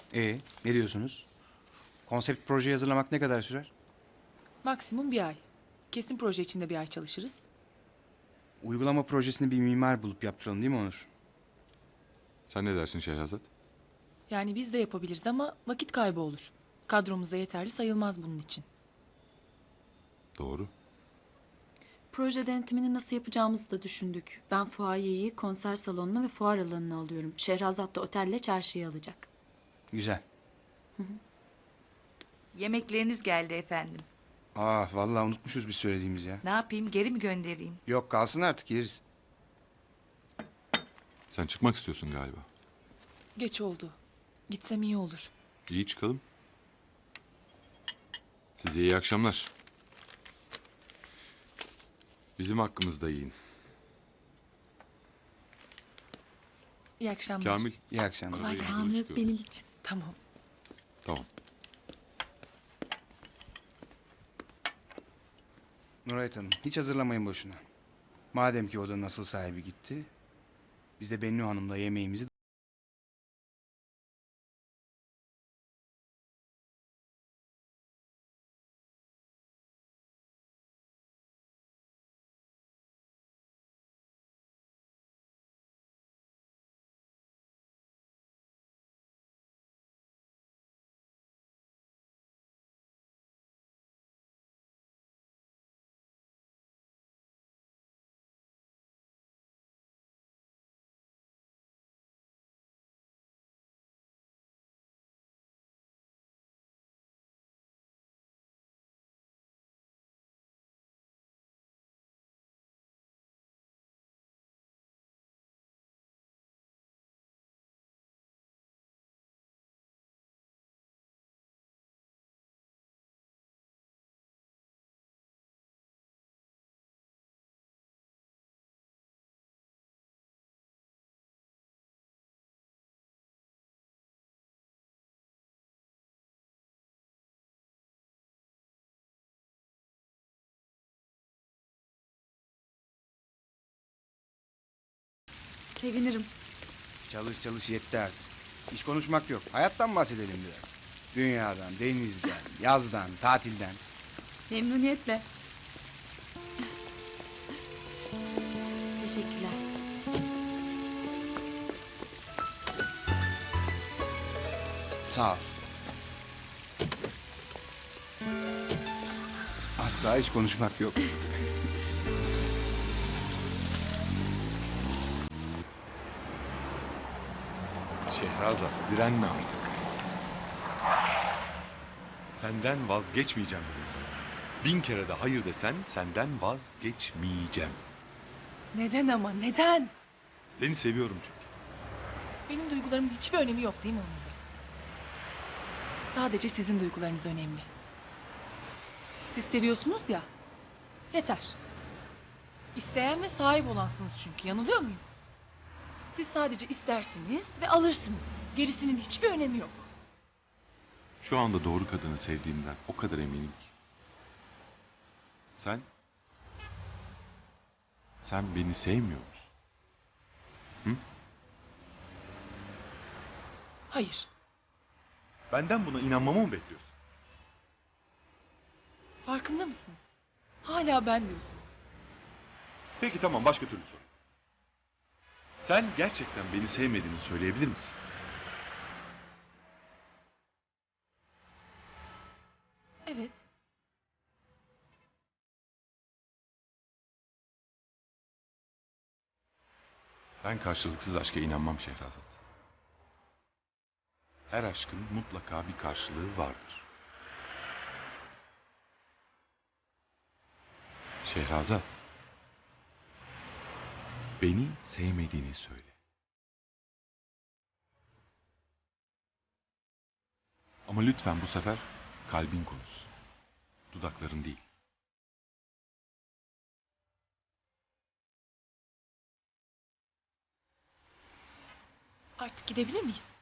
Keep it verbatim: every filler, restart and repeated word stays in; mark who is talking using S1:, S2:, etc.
S1: Ee, ne diyorsunuz? Konsept proje hazırlamak ne kadar sürer?
S2: Maksimum bir ay. Kesin proje içinde bir ay çalışırız.
S1: Uygulama projesini bir mimar bulup yaptıralım değil mi Onur?
S3: Sen ne dersin Şehrazat?
S2: Yani biz de yapabiliriz ama vakit kaybı olur. Kadromuzda yeterli sayılmaz bunun için.
S3: Doğru.
S4: Proje denetimini nasıl yapacağımızı da düşündük. Ben fuayeyi konser salonuna ve fuar alanına alıyorum. Şehrazat da otelle çarşıya alacak.
S1: Güzel.
S5: Yemekleriniz geldi efendim.
S1: Ah vallahi unutmuşuz biz söylediğimiz ya.
S5: Ne yapayım, geri mi göndereyim?
S1: Yok kalsın artık yeriz.
S3: Sen çıkmak istiyorsun galiba.
S2: Geç oldu. Gitsem iyi olur.
S3: İyi çıkalım. Size iyi akşamlar. Bizim hakkımızda yiyin.
S2: İyi akşamlar.
S3: Kamil.
S1: İyi akşamlar.
S2: Kolay
S3: Buraya
S2: gelsin.
S3: doğru
S4: Anı
S3: çıkıyoruz.
S4: benim için.
S2: Tamam.
S3: Tamam.
S1: Nurayet Hanım hiç hazırlamayın boşuna. Madem ki odanın asıl sahibi gitti, biz de Bennu Hanım'la yemeğimizi...
S4: Sevinirim.
S1: Çalış çalış yetti artık. Hiç konuşmak yok. Hayattan bahsedelim biraz. Dünyadan, denizden, yazdan, tatilden.
S4: Memnuniyetle. Teşekkürler.
S1: Sağ ol. Asla hiç konuşmak yok.
S3: Şehrazat, direnme artık. Senden vazgeçmeyeceğim dedim sana. Bin kere de hayır desen senden vazgeçmeyeceğim.
S2: Neden ama neden?
S3: Seni seviyorum çünkü.
S2: Benim duygularımın hiçbir önemi yok değil mi Onur Bey? Sadece sizin duygularınız önemli. Siz seviyorsunuz ya. Yeter. İsteyen ve sahip olansınız çünkü. Yanılıyor muyum? Siz sadece istersiniz ve alırsınız. Gerisinin hiçbir önemi yok.
S3: Şu anda doğru kadını sevdiğimden o kadar eminim ki. Sen? Sen beni sevmiyor musun? Hı?
S2: Hayır.
S3: Benden buna inanmamı mı bekliyorsun?
S2: Farkında mısınız? Hala ben diyorsunuz.
S3: Peki tamam, başka türlü sor. Sen gerçekten beni sevmediğini söyleyebilir misin?
S2: Evet.
S3: Ben karşılıksız aşka inanmam Şehrazat. Her aşkın mutlaka bir karşılığı vardır. Şehrazat, beni sevmediğini söyle. Ama lütfen bu sefer kalbin konuşsun. Dudakların değil.
S2: Artık gidebilir miyiz?